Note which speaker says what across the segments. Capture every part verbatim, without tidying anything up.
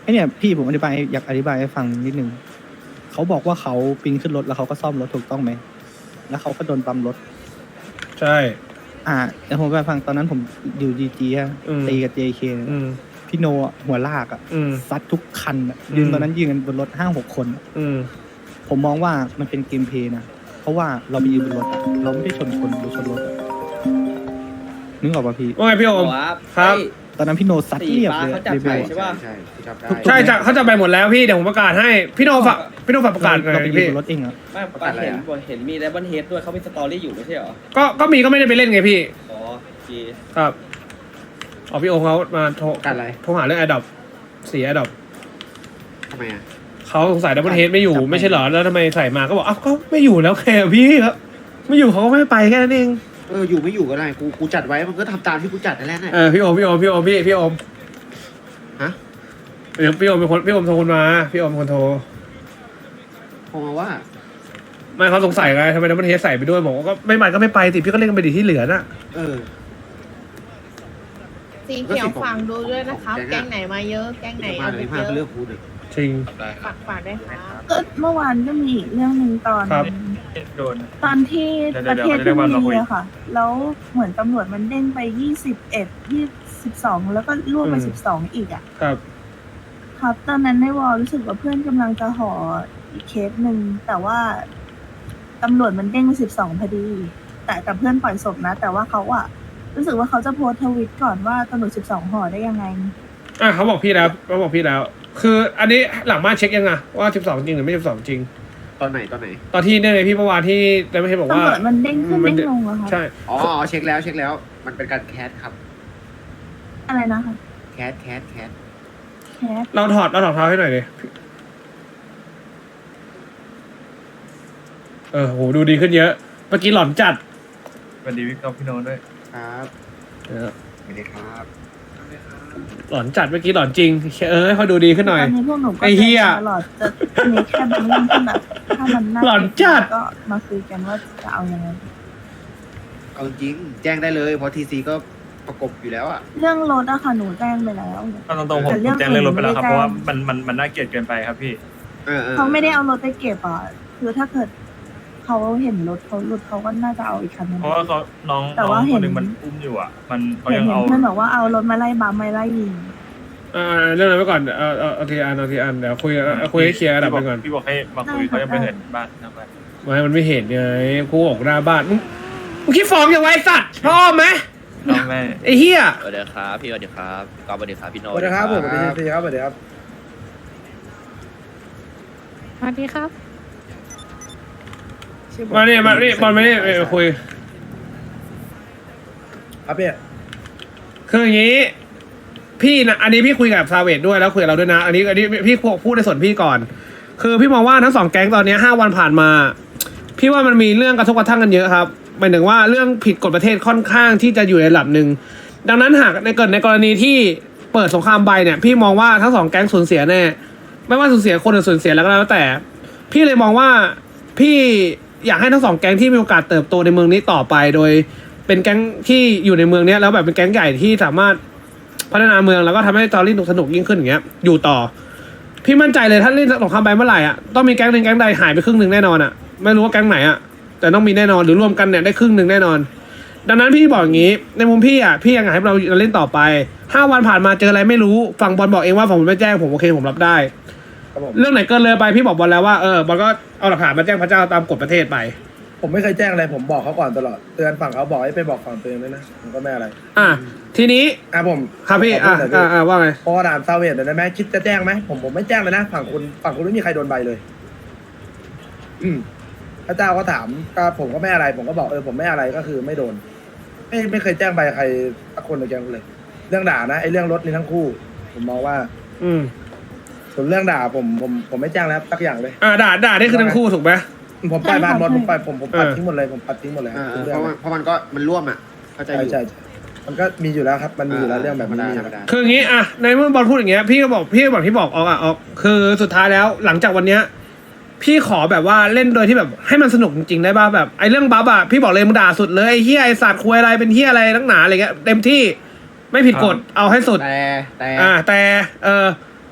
Speaker 1: อ้เนี่ยพี่ผมอธิบายอยากอธิบายให้ฟังนิดนึงเขาบอกว่าเขาปีนขึ้นรถแล้วเขาก็ซ่อมรถถูกต้องไหมแล้วเขาก็โดนปั๊มรถ
Speaker 2: ใช่
Speaker 1: อ่าแต่ผมไปฟังตอนนั้นผมอยู่ดีจีอะ
Speaker 2: อืม
Speaker 1: ตีกับ เจ เค
Speaker 2: อืม
Speaker 1: พี่โนอะหัวลากอะ
Speaker 2: อืม
Speaker 1: ซัดทุกคันอะ
Speaker 2: อืม
Speaker 1: ยืนตอนนั้นยืนกันบนรถห้าหกคนอะ
Speaker 2: อืม
Speaker 1: ผมมองว่ามันเป็นเกมเพลย์นะเพราะว่าเราไปยืนบนรถอะเราไม่ได้ชนคนหรือชนรถอะนึกออกป่ะพี่
Speaker 2: ว่าไงพี่โอม ครับ
Speaker 1: ตอนนั้นพี่โนซัดเรียบเลย
Speaker 3: เขาจับ
Speaker 1: เบ
Speaker 3: ไป
Speaker 1: ล
Speaker 3: ใช่ป่ะ
Speaker 4: ใช่ที่จำได้
Speaker 2: ใช่จะเขาจะไปหมดแล้วพี่เดี๋ยวผมประกาศให้พี่โนฝากพี่โนฝากประกาศหน่
Speaker 1: เรา
Speaker 2: อย
Speaker 1: ไปยืน
Speaker 2: พี่
Speaker 1: บนรถเองอะ
Speaker 3: ไม่ปาเห็นเห็นมีแรบเบิลเฮดด้วยเขามีสตอรี่อยู่ไม่ใช่เหรอ
Speaker 2: ก็ก็มีก็ไม่ได้ไปเล่นไงพี่
Speaker 3: อ๋อโอเค
Speaker 2: ครับอ๋อพี่โอมเขามาโทร
Speaker 4: กันอะไร
Speaker 2: โทรหาเรื่องแอดดอปเสียแอดดอป
Speaker 4: ทำไมอ่ะ
Speaker 2: เขาสงสัยดับเบิลเฮดไม่อยู่ไม่ใช่เหรอแล้วทำไมใส่มาก็บอกอ้าวก็ไม่อยู่แล้วแค่พี่ครับไม่อยู่เขาก็ไม่ไปแค่นั้นเอง
Speaker 4: เอออยู่ไม่อยู่ก็ได้กูกูจัดไว้มันก็ทำตามที่กูจัดนั่นแหละน่ะ
Speaker 2: เออพี่โอมพี่โอมพี่โอมพี่พี่โอม
Speaker 4: ฮะ
Speaker 2: เดี๋ยวพี่โอมเป็นคนพี่โอมโทรมาพี่โอมเป็นคนโทร
Speaker 4: โทรมาว่า
Speaker 2: ไม่เขาสงสัยไงทำไมดับเบิลเฮดใส่ไปด้วยบอกว่าก็ไม่ไปก็ไม่ไปสิพี่ก็เล่นกันไปดิที่เหลือน่ะ
Speaker 4: เออ
Speaker 5: สีเขียวฟังดูด้วยนะครับ
Speaker 4: แก๊
Speaker 5: แก๊
Speaker 4: ง
Speaker 5: ง
Speaker 4: อะ
Speaker 5: ไหนมาเยอะ แก๊งไหน
Speaker 4: มา
Speaker 5: เอา
Speaker 4: เล
Speaker 5: ไป
Speaker 4: ย
Speaker 5: เย
Speaker 4: มาก็
Speaker 5: อะ
Speaker 4: เลือกพูดเลย
Speaker 2: จริง
Speaker 5: ฝากฝากด้วยครับ
Speaker 6: ก็เมื่อวานก็มีอีกเรื่องหนึ่งตอน
Speaker 2: ครับ
Speaker 7: โดน
Speaker 6: ตอนที่
Speaker 7: เดี๋ยว
Speaker 6: ประเทศ
Speaker 7: เดี๋ยว
Speaker 6: ที่
Speaker 7: เดี๋ยว
Speaker 6: บุ
Speaker 7: เดี๋ยว
Speaker 6: รีอะค่ะ แล้วเหมือนตำรวจมันเด้งไปยี่สิบเอ็ดยี่สิบสองแล้วก็รวบไป
Speaker 2: อืม
Speaker 6: สิบสองอีกอะ
Speaker 2: ครับ
Speaker 6: ครับ ตอนนั้นในวอลรู้สึกว่าเพื่อนกำลังจะห่ออีกเคสหนึ่งแต่ว่าตำรวจมันเด้งไปสิบสองพอดี แต่แต่เพื่อนปล่อยศพนะ แต่ว่าเขาอะรู้สึกว่าเขาจะโพสต์ทวิตก่อนว่าตำรวจสิบสองห่อได้ยังไง
Speaker 2: อ่ะเขาบอกพี่แล้วเขาบอกพี่แล้ว คืออันนี้หลังบ้านเช็คยังไงว่าสิบสองจริงหรือไม่สิบสองจริง
Speaker 4: ตอนไหนตอนไหน
Speaker 2: ตอนที่เนี่ยไงพี่เมื่อวานที่แต่ไม่ใช่บอกว่า
Speaker 6: ตำรวจมันเด้งขึ้น
Speaker 2: มัน
Speaker 6: เด้งลงเหรอคะ
Speaker 2: ใช่
Speaker 4: อ๋ออ๋อเช็คแล้วเช็คแล้ว มันเป็นการแคสครับ
Speaker 6: อะไรนะคะ
Speaker 4: แคสแคสแคส
Speaker 6: แคส
Speaker 2: เราถอดเราถอดเท้าให้หน่อยดิเออโหดูดีขึ้นเยอะเมื่อกี้หลอนจัด
Speaker 7: สวัสดีพี่กับพี่โน้ตด้วย
Speaker 4: ครับ
Speaker 2: เออ
Speaker 4: ไม่ได้ครับ
Speaker 2: หลอนจัดเมื่อกี้หลอนจริงเออให้เขาดูดีขึ้นหน่อย
Speaker 6: ตอนนี้พวกหนูก็
Speaker 2: ไอ้เหี้ย
Speaker 6: ตลอดจะมีแค่บางเรื่องที่แบบถ้ามันน่า
Speaker 2: หลอนจัด
Speaker 6: ก็มาคุยกันว่าจะเอายังไง
Speaker 4: เอาจริงแจ้งได้เลยเพราะทีซีก็ประกบอยู่แล้วอ่ะ
Speaker 6: เรื่องรถอะค่ะหนูแจ้งไปแล้ว
Speaker 7: เอาตรงๆผม
Speaker 6: แต่เรื่อง
Speaker 7: ผมแจ้งเรื่องรถไปแล้วครับ
Speaker 6: อื่นไม่ได้
Speaker 7: เพราะว่ามันมันมันน่าเกลียดเกินไปครับพี่
Speaker 4: เออเออ
Speaker 6: เขาไม่ได้เอารถไปเก็บอ่ะคือถ้าเกิดเขาเห็นรถเขาหลุดเขาก็น่าจะเอาอีกคันนึง
Speaker 7: เพราะว่าเขาน้อง
Speaker 6: แต่
Speaker 7: น้
Speaker 6: ว่า
Speaker 7: อง
Speaker 6: เห็
Speaker 7: คน นหนึ่งมันอุ้มอยู่อ่ะ มันเขา
Speaker 6: เห็น
Speaker 7: ยัง
Speaker 6: เห็น
Speaker 7: เอา
Speaker 6: เพื่อนบอกว่าเอารถมาไล่บัมไม่ไล่ยิง
Speaker 2: อ่าเรื่องนั้นไปก่อนเออเออเอาทีอันเอาทีอันเดี๋ยวคุยเอาคุยให้เคลียร์ระดับไปก่อน
Speaker 7: พี่บอกให้มาคุยเขายังไม่เห็นบ้านนะครับ
Speaker 2: ไม่มันไม่เห็นไงกูบอกหน้าบ้านมึงมึงคิดฟ้องยังไงสัตว์ชอบไหม
Speaker 7: น้องแม่
Speaker 2: ไอ้เหี้ย
Speaker 3: สวัสดีครับพี่สวัสดีครับกอล์ฟสวัสดีครับพี่โน้
Speaker 8: สวัสดีครับผมสวัสดีครับสวัสดีครับ
Speaker 5: สวัสดีครับ
Speaker 2: มาเนี่ยมาเนี่ยบอลมาเนี่ยเออคุย
Speaker 8: ครับพี่
Speaker 2: คืออย่างนี้ พี่นะอันนี้พี่คุยกับซาเวดด้วยแล้วคุยกับเราด้วยนะ อันนี้อันนี้พี่พูดในส่วนพี่ก่อน คือพี่มองว่าทั้งสองแก๊งตอนนี้ห้าวันผ่านมา พี่ว่ามันมีเรื่องกระทบกระทั่งกันเยอะครับหมายถึงว่าเรื่องผิดกฎประเทศค่อนข้างที่จะอยู่ในระดับหนึ่งดังนั้นหากในเกิดในกรณีที่เปิดสงครามใบเนี่ย พี่มองว่าทั้งสองแก๊งสูญเสียแน่ไม่ว่าสูญเสียคนหรือสูญเสียแล้วก็แล้วแต่ พี่เลยมองว่าพี่อยากให้ทั้งสองแก๊งที่มีโอกาสเติบโตในเมืองนี้ต่อไปโดย เป็นแก๊งที่อยู่ในเมืองเนี้ยแล้วแบบเป็นแก๊งใหญ่ที่สามารถพัฒนาเมืองแล้วก็ทำให้ตอรี่สนุกยิ่งขึ้นอย่างเงี้ยอยู่ต่อ พี่มั่นใจเลยถ้าเล่นสงครามใบเมื่อไหร่อ่ะต้องมีแก๊งหนึ่งแก๊งใดหายไปครึ่งหนึ่งแน่นอนอ่ะไม่รู้ว่าแก๊งไหนอ่ะแต่ต้องมีแน่นอนหรือรวมกันเนี่ยได้ครึ่งหนึ่งแน่นอน ดังนั้นพี่บอกอย่างงี้ในมุมพี่อ่ะพี่ยังอยากให้เราเล่นต่อไปห้าวันผ่านมาเจออะไรไม่รู้ฝั่งบอลบอกเองว่าผมไม่แจ้งผมโอเคผมรับได้
Speaker 8: ครับผม
Speaker 2: เรื่องไหนเกินเลยไปพี่บอกบอลแล้วว่าเออบอลก็เอาหลักฐานมาแจ้งพระเจ้าตามกฎประเทศไป
Speaker 8: ผมไม่เคยแจ้งอะไรผมบอกเขาก่อนตลอดเตือนฝั่งเขาบอกให้ไปบอกฝั่งตัวเองด้วยนะผมก็ไม่อะไร
Speaker 2: อ่ะทีนี้
Speaker 8: อ่ะผม
Speaker 2: ครับพี่
Speaker 8: ข
Speaker 2: อ่ะ
Speaker 8: พูดหน่ย
Speaker 2: อ่ะอ่ะว่าไง
Speaker 8: พอถามซาเวดหน่อยได้ไหมคิดจะแจ้งไหมผมผมไม่แจ้งเลยนะฝั่งคุณฝั่งคุณไม่มีใครโดนใบเลย อืมพระเจ้าก็ถามก็ผมก็ไม่อะไร ผมก็บอกเออผมไม่อะไรก็คือไม่โดน ไม่ไม่เคยแจ้งใบใครสักคนเลยแกเลย เรื่องด่านะไอ้เรื่องรถนี่ทั้งคู่ ผมมองว่า
Speaker 2: อืม
Speaker 8: ส่วนเรื่องด่าผมผมผมไม่แจ้งแล้วสักอย่างเลย
Speaker 2: อ่าด่าด่าได้คือทั้งคู่ถูกไหม
Speaker 8: ผมปล่อยผ่านหมดผมปล่อยผมผมปัด
Speaker 2: เออ
Speaker 8: ทิ้งหมดเลยผมปัดทิ้งหมดเลย
Speaker 4: เออเอ
Speaker 8: ทุ
Speaker 4: อก
Speaker 8: เรื่
Speaker 4: เพ
Speaker 8: อง
Speaker 4: ราะมันเพราะมันก็มันร่วมอ่ะเข้าใจอ
Speaker 8: ใช่
Speaker 4: ยู่
Speaker 8: ใช่ใช่มันก็มีอยู่แล้วครับ มันมีอยู่แล้วเรื่องแบบ
Speaker 4: ธรรม
Speaker 8: นี้
Speaker 4: ดา
Speaker 8: มีอ
Speaker 4: ธร
Speaker 8: ยู่
Speaker 4: รม
Speaker 8: แล้ว
Speaker 4: ดา
Speaker 2: คืออย่างนี้อ่ะในเมื่อบอลพูดอย่างเงี้ยพี่ก็บอกพี่ก็บอกที่บอกออกอ่ะออกคือสุดท้ายแล้วหลังจากวันเนี้ยพี่ขอแบบว่าเล่นโดยที่แบบให้มันสนุกจริงๆได้ป่ะแบบไอ้เรื่องบัฟอ่ะพี่บอกเลยมึงด่าสุดเลยไอ้เฮียไอ้สัตว์คุยอะไรเป็นเฮียอะไรนักหนาอะไรเงี้ยเต็มที่ไม่ผิดกฎเอาให้สุด
Speaker 4: แต่แต่
Speaker 2: อ่าแต่เออ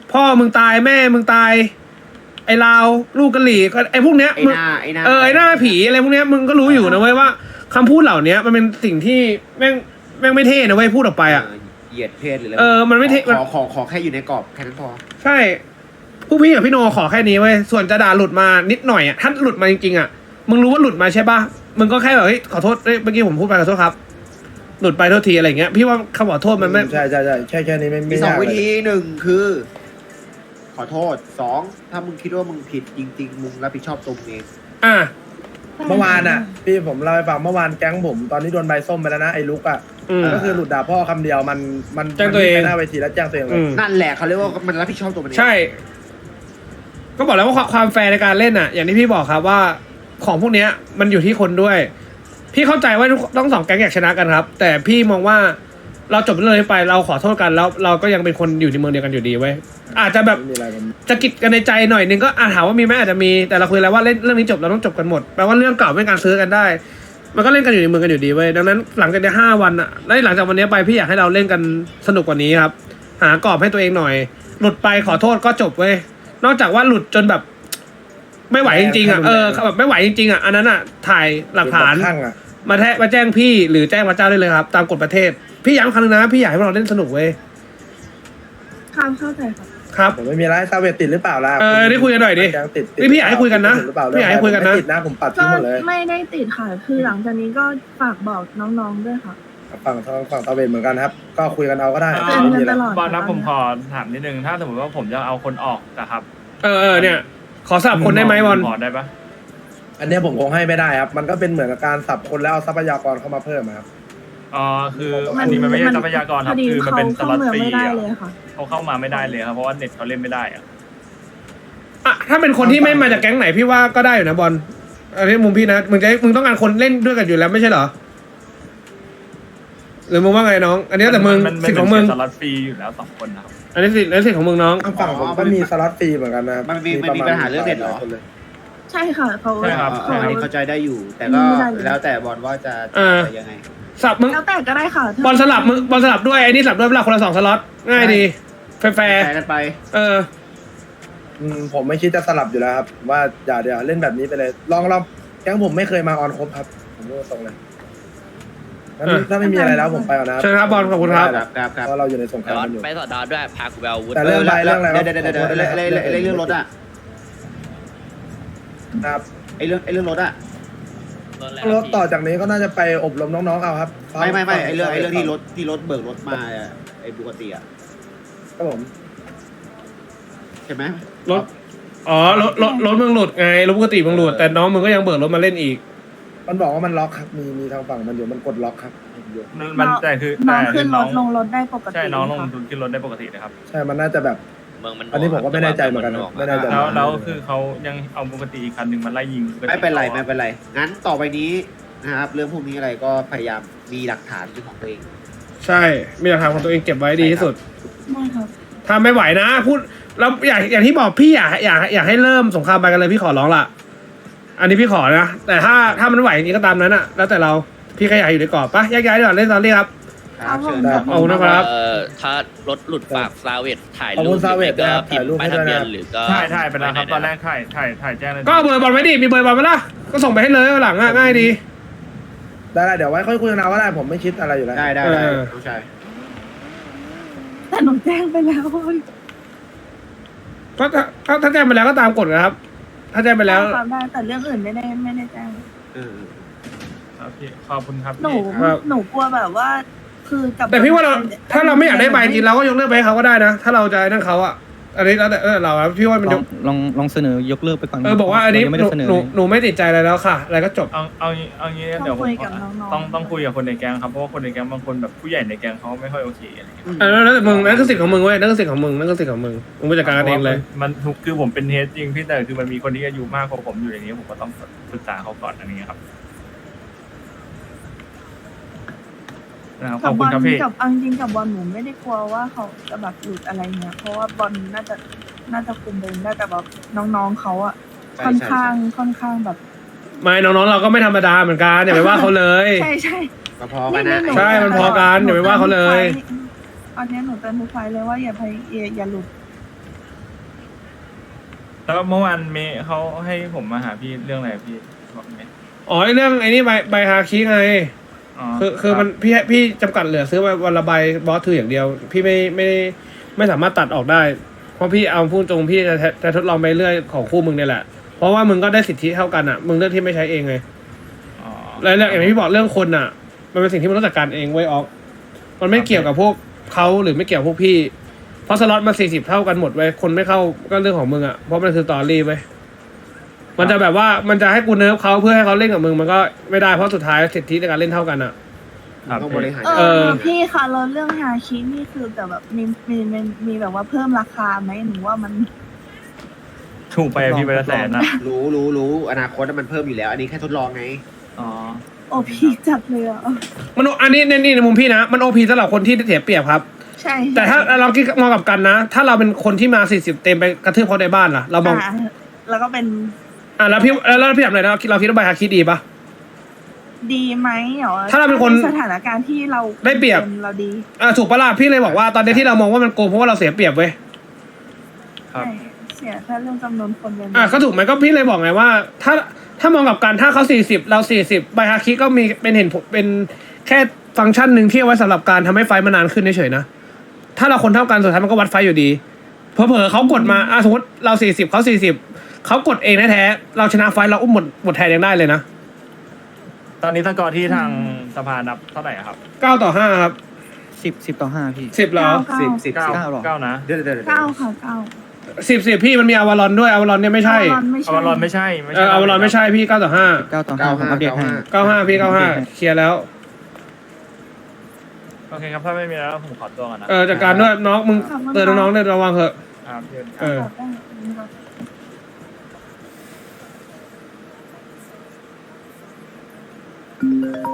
Speaker 2: พ่อมึงตายแม่มึงตาย ไอ้ลาวลูกกะหรี่ก็ไอ้พวกเนี้ย
Speaker 4: ไอ้
Speaker 2: มึง
Speaker 4: หน้าไอ้หน้า
Speaker 2: เออไอ้หน้าผีอะไรพวกเนี้ยมึงก็รู้อยู่นะเว้ยว่าคำพูดเหล่านี้มันเป็นสิ่งที่แม่งแม่งไม่เท่นะเว้ยพูดออกไปอ่ะ
Speaker 4: เเหยียดเพศหรืออะไร
Speaker 2: เออมันไม่เท่
Speaker 4: ขอขอขอแค่อยู่ในกรอบแค่นั้นพอ
Speaker 2: ใช่ผู้พี่กับพี่โนขอแค่นี้เว้ยส่วนจะด่าหลุดมานิดหน่อยอ่ะถ้าหลุดมาจริงๆอ่ะมึงรู้ว่าหลุดมาใช่ปะมึงก็แค่แบบเฮ้ยขอโทษเอ้ยเมื่อกี้ผมพูดไปขอโทษครับ หลุดไปโทษทีอะไรเงี้ยพี่ว่าคำขอโทษมันไม่
Speaker 8: ใช่ใช่ใช่แค่แค่นี้ไม่
Speaker 4: มี
Speaker 8: ไม่
Speaker 4: สอง
Speaker 8: ยาก
Speaker 4: วิ
Speaker 8: เลย
Speaker 4: ธีหนึ่งคือ ขอโทษสองถ้ามึงคิดว่ามึงผิดจริง ๆ มึงรับผิดชอบตัวมึงเอง
Speaker 2: อ่ะ
Speaker 8: เมื่อวานอ่ะพี่ผมเล่าให้ฟังเมื่อวานแก๊งผมตอนนี้โดนใบส้มไปแล้วนะไอ้ลุกอ่ะ
Speaker 2: อืม
Speaker 8: ก็คือหลุดด่าพ่อคำเดียวมันมัน
Speaker 2: แจ้งตัวเอง
Speaker 8: มันไปหน้าเวทีแล้วแจ้งตัวเองเล
Speaker 2: อื
Speaker 8: ย
Speaker 2: ม
Speaker 4: นั่นแหละเขาเรียกว่ามันรับผิดชอบตัวมันเอง
Speaker 2: ใช่ ก็บอกแล้วว่าความความแฟร์ในการเล่นอ่ะ อย่างที่พี่บอกครับว่าของพวกเนี้ยมันอยู่ที่คนด้วย พี่เข้าใจว่าต้องสองแก๊งอยากชนะกันครับ แต่พี่มองว่าเราจบเรื่องนี้ไปเราขอโทษกันแล้วเราก็ยังเป็นคนอยู่ในเมืองเดียวกันอยู่ดีเว้ยอาจจะแบบ
Speaker 8: ไม่มีอะไรผม
Speaker 2: จะกิดกันในใจหน่อยนึงก็อาจถามว่ามีไหมอาจจะมีแต่เราคุยแล้วว่าเล่นเรื่องนี้จบเราต้องจบกันหมดแปลว่าเรื่องเก่าไม่การซื้อกันได้ มันก็เล่นกันอยู่ในเมืองกันอยู่ดีเว้ยดังนั้นหลังจากนี้ห้าวันอะแล้วหลังจากวันนี้ไปพี่อยากให้เราเล่นกันสนุกกว่านี้ครับ หากรอบให้ตัวเองหน่อย หลุดไปขอโทษก็จบเว้ยนอกจากว่าหลุดจนแบบ ไม่ไหวจริงๆอ่ะเออแบบไม่ไหวจริงๆอ่ะอันนั้นอ่ะถ่ายหลักฐาน
Speaker 8: ข้างอ่ะ
Speaker 2: มาแทะมาแจ้งพี่หรือแจ้งพระเจ้าได้เลยครับ ตามกฎประเทศ พี่ย้ำครั้งนึงนะพี่อยากให้พวกเราเล่นสนุกเว้ย
Speaker 6: ครับเข้าใจครับ
Speaker 2: ครับ
Speaker 8: ผมไม่มีอะไรซาเวตติดหรือเปล่าล่ะ
Speaker 2: เออได้คุยกันหน่อยดิ
Speaker 8: แก๊งติดติด
Speaker 2: นี่พี่อยากให้คุยกันนะ
Speaker 8: ติดหรือเปล่า
Speaker 2: พี่อยากให้คุยกันนะ
Speaker 8: ไม่ติดนะผมปัด
Speaker 6: ก็
Speaker 8: ทิ้งหมดเลย
Speaker 6: ไม่ได้ติดค่ะ คือหลังจากนี้ก็ฝากบอกน้องๆด้วยค่ะ
Speaker 8: ฝั่งฝั่งซาเวตเหมือนกันครับ ก็คุยกันเอาก็ได้
Speaker 6: เตือน
Speaker 8: ไม่
Speaker 6: กั
Speaker 8: มี
Speaker 6: น
Speaker 8: อะไร
Speaker 6: ตลอด
Speaker 7: บอลนะผมขอถามนิดนึงถ้าสมมติว่าผมจะเอาคนออกนะครับ
Speaker 2: เออเออเนี่ย ขอสลับคนได้ไหมบอล
Speaker 7: ขอได้ปะ
Speaker 8: อันเนี้ยผมคงให้ไม่ได้ครับ มันก็เป็นเหมือนกับการสับคนแล้วเอาทรัพยากรเข้ามาเพิ่มอะครับ
Speaker 7: อ๋อคืออันนี้มันไม่ใช่ทรัพยากรครับ
Speaker 6: พอดี
Speaker 7: คือมัน
Speaker 6: เขา
Speaker 7: เป็นส
Speaker 6: เข้า
Speaker 7: ล็อต
Speaker 6: เมือง
Speaker 7: ฟรี
Speaker 6: ไม่ได้
Speaker 7: อะ
Speaker 6: เลยค่ะ
Speaker 7: เขาเข้ามาไม่ได้เลยครับเพราะว่าเน็ตเขาเล่นไม่ได้อะ
Speaker 2: อ่ะถ้าเป็นคนที่ไม่มาจากแก๊งไหนพี่ว่าก็ได้อยู่นะบอลอันนี้มุมพี่นะมึงจะมึงต้องการคนเล่นด้วยกันอยู่แล้วไม่ใช่เหรอหรือมึงว่าไงน้อง อันนี้แต่มึง
Speaker 7: นน
Speaker 2: สิทธิ์ของมึง
Speaker 7: สล็อตฟรีอยู่แล้วสองคนนะครับ
Speaker 2: อันนี้สิทธิ์อันนี้สิทธิ์ของมึงน้อง
Speaker 8: ทางฝั่งผมก็มีสล็อตฟรีเหมือนกันนะครับ
Speaker 4: มันมีมันมีปัญหาเรื่องเน็ตเหรอ
Speaker 8: คนลย
Speaker 6: ใช่ค่ะเขา
Speaker 7: ใช่ครับ
Speaker 4: เอออันนี้เข้าใจได้อยู่ แต่ก็
Speaker 6: ไม่ได้เลย
Speaker 4: แล้วแต่บอลว่าจะ
Speaker 2: เออ
Speaker 4: จะยังไง
Speaker 2: สลับมึง
Speaker 6: แล้วแต่ก็ได้ค่ะ
Speaker 2: บอลสลับมึงบอลสลับด้วยไอ้นี่สลับด้วยเวลาคนละสองสล็อตง่ายดีแฟร์
Speaker 4: แชร์กันไป
Speaker 2: ๆเออ
Speaker 8: อืมผมไม่คิดจะสลับอยู่แล้วครับ ว่าอย่าเดี๋ยวเล่นแบบนี้ไปเลย ลองลองแก๊งผมไม่เคยมาออนครบครับ ผมพูดตรงเลยงั้น
Speaker 2: เออ
Speaker 8: ถ้าไม่มีอะไรแล้วผมไปก่อนนะครับ
Speaker 2: เชิญครับบอลขอบคุณครับ
Speaker 4: ครับครับครับ
Speaker 8: เพราะเราอยู่ในสงครามกันอยู่
Speaker 3: ไปสอดดอด้วยพากูไปเอาอาวุธ
Speaker 8: แต่เรื่องใบเรื่องอะไร
Speaker 4: เดี๋ยวเดี๋ยวเดี๋ยวเดี๋ยวเรื่องเรื่องเรื่องรถอ่ะ
Speaker 8: ครับ
Speaker 4: ไอเรื่องไอเรื่องรถอ่ะ
Speaker 8: รถต่อจากนี้ก็น่าจะไปอบรมน้องๆเอาครับ
Speaker 4: ไม่ไม่ไม่ไอเรื่องไอเรื่องที่รถที่รถเบิกรถมาอะไอปกติอ่ะ
Speaker 8: ครับผม
Speaker 4: ใช่ไหม
Speaker 2: รถ อ๋อ รถ รถ รถมึงหลุดไง รถปกติมึงหลุด แต่น้องมึงก็ยังเบิกรถมาเล่นอีก
Speaker 8: มันบอกว่ามันล็อกครับมีมีทางฝั่งมันอยู่มันกดล็อกครับอยู่
Speaker 7: มันแต่คือ
Speaker 6: น้
Speaker 7: แต่
Speaker 6: อง
Speaker 7: คื
Speaker 6: ขึ้
Speaker 7: อน
Speaker 6: ร
Speaker 7: น้อง
Speaker 6: ถลงรถได้ปกติ
Speaker 7: ใช่น้องลง
Speaker 6: ค่ะ
Speaker 7: ทุนขึ้นรถได้ปกตินะครับ
Speaker 8: ใช่มันน่าจะแบบ
Speaker 3: เมืองมัน
Speaker 8: อันนี้ผมก็ไม่แน่ใจเหมือนกันครับไม่แน่ใจ
Speaker 7: แล้วแล้วคือเขายังเอาปกติอีกคันหนึ่งมาไล่ยิงปกติ
Speaker 4: ไม่เป็นไรไม่เป็นไร งั้นต่อไปนี้นะครับ เรื่องพวกนี้อะไรก็พยายามมีหลักฐานเป็นของตัวเอง
Speaker 2: ใช่ มีหลักฐานของตัวเองเก็บไว้ดีที่สุด
Speaker 6: ได้ครับ
Speaker 2: ถ้าไม่ไหวนะ พูด แล้วอยากอย่างที่บอกพี่อยากอยากอยากให้เริ่มสงครามไปกันเลยพี่ขอร้องละอันนี้พี่ขอนะ แต่ถ้าถ้ามันไหวจริงก็ตามนั้นอะแล้วแต่เรา พี่แค่อยากอยู่ในกรอบปะแยกย้ายดีกว่าเล่นตอนนี้ครับ
Speaker 4: ครับเชิญ
Speaker 8: ได้
Speaker 4: ครับ
Speaker 2: เอานะครับ
Speaker 3: เอ่อถ้ารถหลุดปากซาเวตถ่าย
Speaker 8: ขอบ
Speaker 3: รู
Speaker 8: คุ
Speaker 3: ป
Speaker 8: ณซาเวต
Speaker 3: หรือ
Speaker 8: นะครับ
Speaker 3: ไม่ก็พิมพ์ป้ายทะเบียนหรือก็
Speaker 7: ใช่ใช่ไปแล้วครับตอนแรกถ่ายถ่ายถ่ายแจ้งเลย
Speaker 2: ก็เอาเบอร์บอลไว้ดิ มีเบอร์บอลไหมล่ะ ก็ส่งไปให้เลยวันหลังอะง่ายดี
Speaker 8: ได้ได้เดี๋ยวไว้ค่อยคุยกันเอาก็ได้ผมไม่คิดอะไรอยู่แล้ว
Speaker 4: ได้ได้ได้
Speaker 2: เออ
Speaker 4: น้องชาย
Speaker 6: แต่หนูแจ้งไปแล้ว
Speaker 2: ก็ถ้าถ้าถ้าแจ้งไปแล้วก็ตามกฎนะครับ ถ้าแจ้งไปแล้ว
Speaker 6: ครับได้แต่เรื่องอื่นไม่ได้ไม่ได้แจ้ง
Speaker 4: เออ
Speaker 7: ครับพี่ขอบคุณครับ
Speaker 6: หนู
Speaker 7: พี่
Speaker 2: ครับ
Speaker 6: หนูกลัวแบบว่า คือกับ
Speaker 2: แต่พี่ว่าเราถ้าเราไม่อยากได้ใบจริงเราก็ยกเลิกไปให้เขาก็ได้นะ ถ้าเราจะนั่นเขาอะอันนี้แล้วแต่แล้วแต่เราอะพี่ว่ามัน
Speaker 1: ล
Speaker 2: ย
Speaker 1: อง
Speaker 2: ก
Speaker 1: ลองลองเสนอยกเลิกไปก่อน
Speaker 2: เออบอกว่าอันนี้
Speaker 1: เรยังไม่
Speaker 2: หนู
Speaker 1: ได้เสนอ
Speaker 2: หนู
Speaker 1: เลย
Speaker 2: หนูไม่ติดใจอะไรแล้วค่ะ อะไรก็จบ
Speaker 7: เอาเอางี้เอางี้เดี๋ยวผมต้องต้องคุยกับคนในแก๊งครับเพราะว่าคนในแก๊งบางคนแบบผู้ใหญ่ในแก๊งเขาไม่ค่อยโอเคอะไรอย่างเงี้ย
Speaker 2: เออแล้วแต่มึงนั่นคือสิทธิ์ของมึงเว้ยนั่นคือสิทธิ์ของมึงนั่นคือสิทธิ์ของมึงมึงไปจัดการกันเองเลย
Speaker 7: มันทุกคือผมเป็นเฮดจริงพี่แต่คือมันมีคนที่อายุมากกว่าผมอยู่อย่างนี้ผมก็ต้องปรึกษาเขาก่อนอะไรอย่างเงี้ยครับนะครับข
Speaker 6: กั
Speaker 7: อ
Speaker 6: บบ
Speaker 7: คุ
Speaker 6: อ
Speaker 7: ณ
Speaker 6: ล
Speaker 7: ครับพี่
Speaker 6: กับเอาจริงๆกับบอลหนูไม่ได้กลัวว่าเขาจะแบบหลุดอะไรเงี้ยเพราะว่าบอลน่าจะน่าจะคุมเองได้แต่แบบน้องๆเขาอะ
Speaker 4: ใช่
Speaker 6: ค่อน
Speaker 4: ใช่
Speaker 6: ข้าง
Speaker 4: ใช่
Speaker 6: ค่อนข้างแบบ
Speaker 2: ไม่น้องๆเราก็ไม่ธรรมดาเหมือนกันอย่าไปว่าเขาเลย
Speaker 6: ใช่ใช่
Speaker 4: ก็พอกันนะ
Speaker 6: ห
Speaker 2: ใช่มันพอกันอย่าไปว่าเขาเลย
Speaker 6: ตอนนี้หนูเตือนทุกไฟล์เลยว่าอย่าไปอย่าอย่าหลุด
Speaker 7: แล้วเมื่อวานเมย์เขาให้ผมมาหาพี่เรื่องอะไรพี่บอกไหม
Speaker 2: อ๋อไอ้เรื่องไอ้นี่ใบใบฮาคิไง
Speaker 7: อ๋อ
Speaker 2: คือคือมันพี่พี่จำกัดเหลือซื้อไปวันละใบบอสถืออย่างเดียว พี่ไม่ไม่ไม่สามารถตัดออกได้ เพราะพี่เอาพูดตรงพี่จะจะทดลองไปเรื่อยของคู่มึงเนี่ยแหละ เพราะว่ามึงก็ได้สิทธิเท่ากันอ่ะมึงเลือกที่ไม่ใช้เองไง
Speaker 7: อ๋อ
Speaker 2: แล้วเรื่องอย่างที่พี่บอกเรื่องคนอ่ะ มันเป็นสิ่งที่มันต้องจัดการเองไว้ยออกมันไม่เกี่ยวกับพวกเขาหรือไม่เกี่ยวกับพวกพี่เพราะสล็อตมาสี่สิบเท่ากันหมดไว้ยคนไม่เข้าก็เรื่องของมึงอ่ะเพราะมันคือตอรี่ไว้ยมันจะแบบว่ามันจะให้กูเนิร์ฟเขาเพื่อให้เขาเล่นกับมึงมันก็ไม่ได้เพราะสุดท้ายสิทธิในการเล่นเท่ากันอ่ะ
Speaker 7: ครับ
Speaker 4: ต้องบริหาร
Speaker 6: เอ
Speaker 2: เออ
Speaker 6: อพี่คะเราเรื่องฮาชินี่คือแต่แบบมีมีมีมีแบบว่าเพิ่มราคาไหมหนูว่ามัน
Speaker 7: ถูกไปอะพี่ไปละแสนนะ
Speaker 4: รู้รู้รู้อนาคตมันเพิ่มอยู่แล้ว อันนี้แค่ทดลองไง
Speaker 7: อ๋อ
Speaker 6: โอ้พี่จัดเลยอ่ะ
Speaker 2: มันอันนี้ในนี่ในมุมพี่นะมันโอพีสำหรับคนที่เสียเปรียบครับ
Speaker 6: ใช่
Speaker 2: แต่ถ้าเราคิดมองกลับกันนะ ถ้าเราเป็นคนที่มาสี่สิบเต็มไปกระทืบเขาในบ้านล่ะเรามอง
Speaker 6: อ่ะแล้วก็เป็น
Speaker 2: อ่ะแล้วพี่แล้วแล้วพี่ถามหน่อยนะเราคิดว่าใบฮาคิดดีปะ
Speaker 6: ดีไหมเหรอ
Speaker 2: ถ้าเราเป็นคน
Speaker 6: สถานการณ์ที่เรา
Speaker 2: ได้เปรียบ
Speaker 6: เราดี
Speaker 2: อ่ะถูกปะล่ะพี่เลยบอกว่าตอนนี้ที่เรามองว่ามันโกงเพราะว่าเราเสียเปรียบเว้ย
Speaker 7: ครับ
Speaker 6: ใช่เสียแค่เรื่องจำนวนคนเดียว
Speaker 2: อ่ะก็ถูกไหมก็พี่เลยบอกไงว่า ถ้าถ้ามองกลับกันถ้าเขาสี่สิบเราสี่สิบใบฮาคิก็มีเป็นเห็นผลเป็นแค่ฟังก์ชันหนึ่งที่เอาไว้สำหรับการทำให้ไฟมันนานขึ้นเฉยๆนะถ้าเราคนเท่ากันสุดท้ายมันก็วัดไฟอยู่ดีเผลอๆเขากดมาอ่ะสมมติเราสี่สิบเขาสี่สิบเขากดเองแท้ๆเราชนะไฟเราอุ้มหมดหมดแทนยังได้เลยนะ
Speaker 7: ตอนนี้สกอร์ที่ทางสภานับเท่าไหร่อะครับ
Speaker 2: เก้าต่อห้าครับ
Speaker 1: สิบสิบต่อห้าพี่
Speaker 2: สิบเหรอ
Speaker 4: สิบสิบ
Speaker 7: เก้า
Speaker 1: เก้าหรอ
Speaker 7: เก้านะ
Speaker 4: เดี๋ยวเดี๋ยวเดี๋ยว
Speaker 6: เก้าค่ะเก้า
Speaker 2: สิบสิบพี่มันมีอวารอนด้วยอวารอนเนี่ยไม่ใช่
Speaker 6: อวารอนไม่
Speaker 7: อ
Speaker 6: ใช่
Speaker 7: วารอนไม่ใช่ไม่
Speaker 2: เอ
Speaker 7: ใช่
Speaker 2: ออวารอนไม่ใช่พี่เก้าต่อห้า
Speaker 1: เก้าต่อห้าผมอัปเดตให้
Speaker 2: เก้าห้าพี่เก้าห้าเคลียร์แล้ว
Speaker 7: โอเคครับถ้าไม่มีแล้วผมขอตัวก่อนนะ
Speaker 2: เออจากการด้วยน้องมึงเตือนน้องๆด้วยระวังเถอะ
Speaker 7: ครับเดี๋ยว
Speaker 2: เออ
Speaker 6: ตอบได้ครับ
Speaker 2: เ